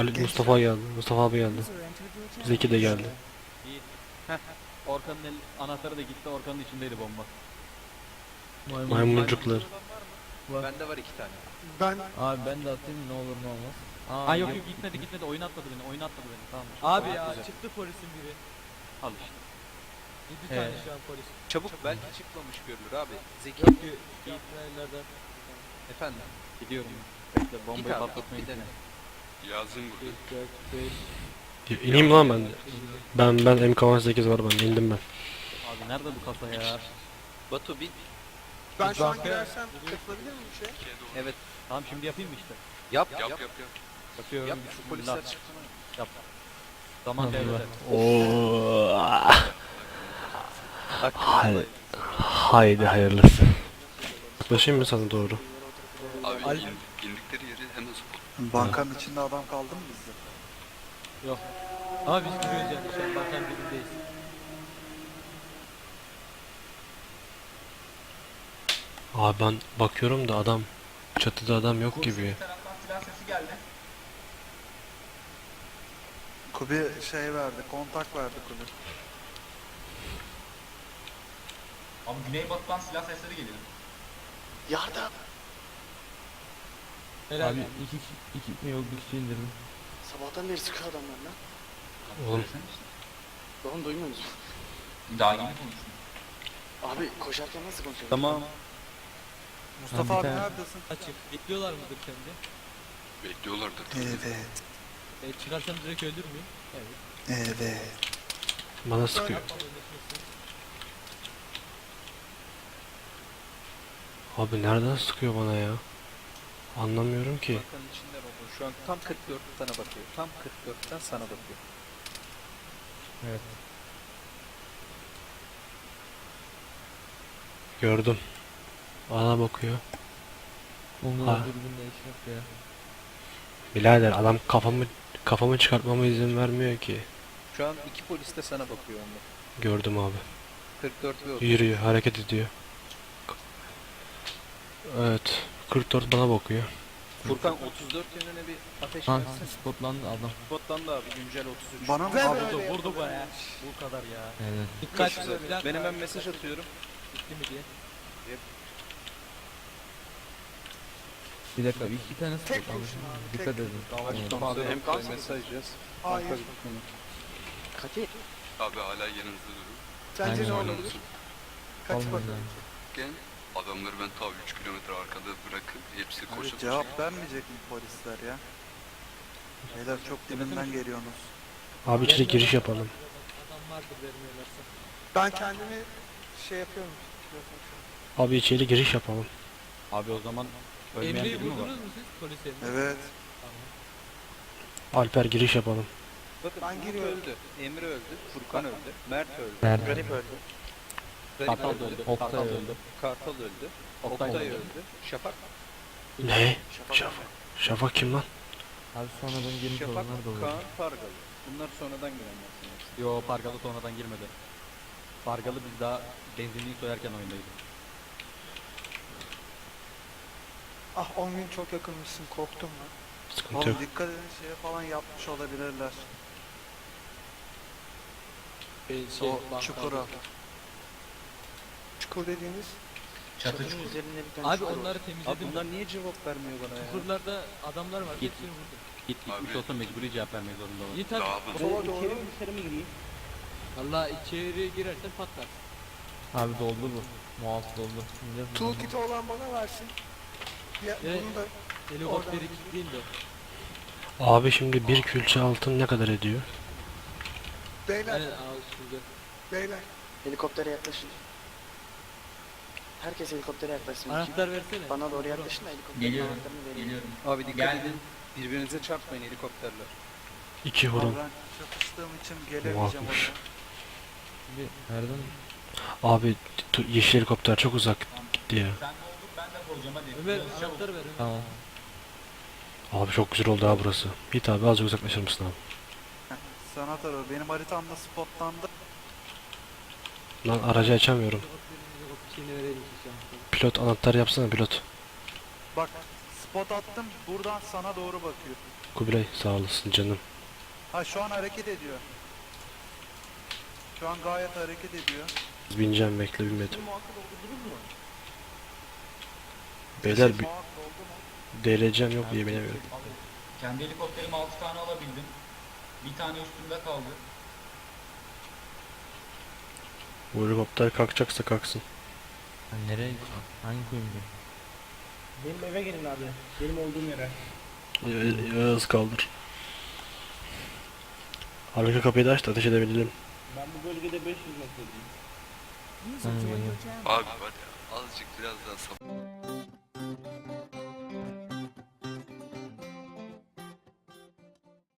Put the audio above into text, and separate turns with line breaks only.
Mustafa geldi. Mustafa abi geldi. Zeki de geldi.
İyi. Heh. Orkan'ın anahtarı da gitti. Orkan'ın içindeydi bomba.
Maymuncuklar.
Bende var 2 tane.
Ben
Abi ben de atayım ne olur ne olmaz.
Ha yok yok gitmedi. Oyun atladı beni. Oyun atladı beni. Tamam.
Abi
Tamam,
ya
güzel.
çıktı polisin biri.
Al işte.
7 tane şu an polis.
Çabuk belki çıkmamış görülür abi. Zeki
Yok ki gitmeyenlerden.
efendim.
Gidiyorum. Bekle bombayı
Git abi,
patlatmaya
bir dene.
gittim.
Yazın burada.
4, 5.
İneyim lan ben. Ben MK18 var bende. İndim ben.
Abi nerede bu kasa ya?
Batu bin.
ben şu an
Banka-
girersem katılabilir miyim bir şey?
Evet.
Tamam şimdi yapayım mı işte?
Yap.
Yap.
Yapıyorum.
Yap şu
Bismillah.
polisler çıksın.
Yap. Zaman
Allah.
devre.
Oo.
Hakkında.
Haydi hayırlısı. Yaklaşayım mı sana doğru?
Abi
Al-
indikleri yeri hemen spot.
Bankanın içinde adam kaldı mı bizde?
Yok. Ama biz giriyoruz yani şu an bankanın dibindeyiz.
Abi ben bakıyorum da adam çatıda adam yok gibi.
Kubi şey verdi, kontak verdi Kubi.
Abi güneybatıdan silah sesleri geliyor.
Yardım!
Helal.
Abi iki mi yok bir kişi indirdim.
Sabahtan beri sıkıyor adamlar lan.
Oğlum
Oğlum duymuyor musun?
Daha yeni konuştum.
Abi koşarken nasıl konuşuyor?
Tamam.
Mustafa
Abi
abi
bir tane-
neredesin?
Açık. Bekliyorlar mıdır sence?
Bekliyorlardır.
Evet,
Çıkarsam direkt öldür müyüm? Evet.
evet.
bana sıkıyor. Abi nereden sıkıyor bana ya? Anlamıyorum ki.
Bankanın içinde baba. Şu an tam 44 sana bakıyor. Tam 44'ten sana bakıyor.
Evet.
Gördüm. Bana bakıyor.
Onlar
Ha.
dürbünle iş yok ya.
Birader adam kafamı çıkartmama izin vermiyor ki.
Şu an 2 polis de sana bakıyor onlar.
Gördüm abi.
44 ve 30.
Yürüyor, hareket ediyor. Evet. 44 bana bakıyor.
Furkan 34 yönüne bir ateş
Ha
versin.
spotlandı adam.
Spotlandı abi güncel 33.
Bana mı
Ve
abi?
böyle
Vurdu bu ya. Bu kadar ya.
Evet.
Dikkat
Çok güzel.
bir dakika.
Ben hemen mesaj atıyorum.
Bitti mi diye.
Bir dakika iki tane
Tek
spotlandı.
kurşun abi,
Dikkat
tek.
edin.
Abi hem mesaj yaz.
Hayır.
Katil.
Abi hala yanınızda durun.
Sence ne
Aynen.
olabilir? Kaç
Olmadı
bakalım.
yani.
Gel. Adamları ben ta 3 kilometre arkada bırakıp hepsi koşa
Abi
koşa.
cevap vermeyecek mi polisler ya? Beyler çok dibinden geliyorsunuz.
Abi içeri giriş yapalım.
Adam vardır vermiyorlarsa.
Ben kendimi şey yapıyorum.
Abi içeri giriş yapalım.
Abi o zaman ölmeyen
Emre'yi
biri mi var?
vurdunuz mu siz polis Emre?
Evet.
Alper giriş yapalım.
Bakın
Ben
Umut
giriyorum.
öldü. Emre öldü. Furkan öldü. Mert öldü.
Nerede?
Garip öldü.
Kartal
Garip
da
öldü.
öldü.
Oktay
Kartal da
öldü.
öldü.
Kartal öldü.
Oktay da
Oktay
öldü.
öldü. Şafak.
Ne? Şafak. Şafak kim lan?
Abi sonradan girmiş
Şafak,
olanlar da olur.
Kaan, Pargalı. Bunlar sonradan girenler.
Yo Pargalı sonradan girmedi. Pargalı biz daha benzinliği soyarken oyundaydık.
Ah 10 gün çok yakınmışsın korktum lan.
Sıkıntı yok.
Oğlum dikkat edin şeye falan yapmış olabilirler. O çukura.
Çukur dediğiniz.
Çatı çukur.
Abi onları
Abi
temizledim.
bunlar niye cevap vermiyor bana ya?
Çukurlarda adamlar var.
Git.
Hepsini vurdum.
Gitmiş olsa mecburi cevap vermek zorunda var.
Git abi.
Dağılın.
Sola doğru.
Valla içeri girersen patlar.
Abi doldu bu. Muaf doldu. Şimdi
Toolkit'i olan bana versin. Ya,
Evet.
bunu da
Helikopteri
Oradan.
kilitleyin de.
Abi şimdi bir külçe altın ne kadar ediyor?
beyler,
Aynen ağız şurada.
beyler.
Helikoptere yaklaşın. Herkes helikoptere yaklaşsın.
Anahtar versene.
Bana doğru yaklaşın da helikopterin
Geliyorum.
anahtarını vereyim.
Geliyorum.
Abi dikkat
Geldim.
edin. Birbirinize çarpmayın helikopterler.
2
Abi
vurun.
ben çakıştığım için gelemeyeceğim
Muafmış.
oraya.
Şimdi nereden?
Abi yeşil helikopter çok uzak gitti ya.
Sen de olduk ben de koyacağım hadi.
Ömer
Biraz çabuk.
anahtar ver Ömer.
Tamam.
Abi çok güzel oldu ha burası. Git abi azıcık uzaklaşır mısın abi?
Sana tarıyor. Benim haritamda spotlandı.
Lan aracı açamıyorum.
Şeyini verelim işte.
Pilot anahtar yapsana pilot.
Bak Spot attım. Buradan sana doğru bakıyor.
Kubilay sağ olasın canım.
Ha şu an hareket ediyor. Şu an gayet hareket ediyor.
Bineceğim bekle binmedim. Beyler bir deleceğim yok diye binemiyorum.
Kendi helikopterime 6 tane alabildim. Bir tane üstümde kaldı.
Bu helikopter kalkacaksa kalksın.
Sen nereye gittin? Hangi kuyumcu?
Benim eve gelin abi. Benim olduğum yere.
Yağız kaldır. Arka kapıyı da aç da ateş edebilelim.
Ben bu bölgede 500 metredeyim.
Hangi kuyumcu?
Abi var ya azıcık biraz daha sabır.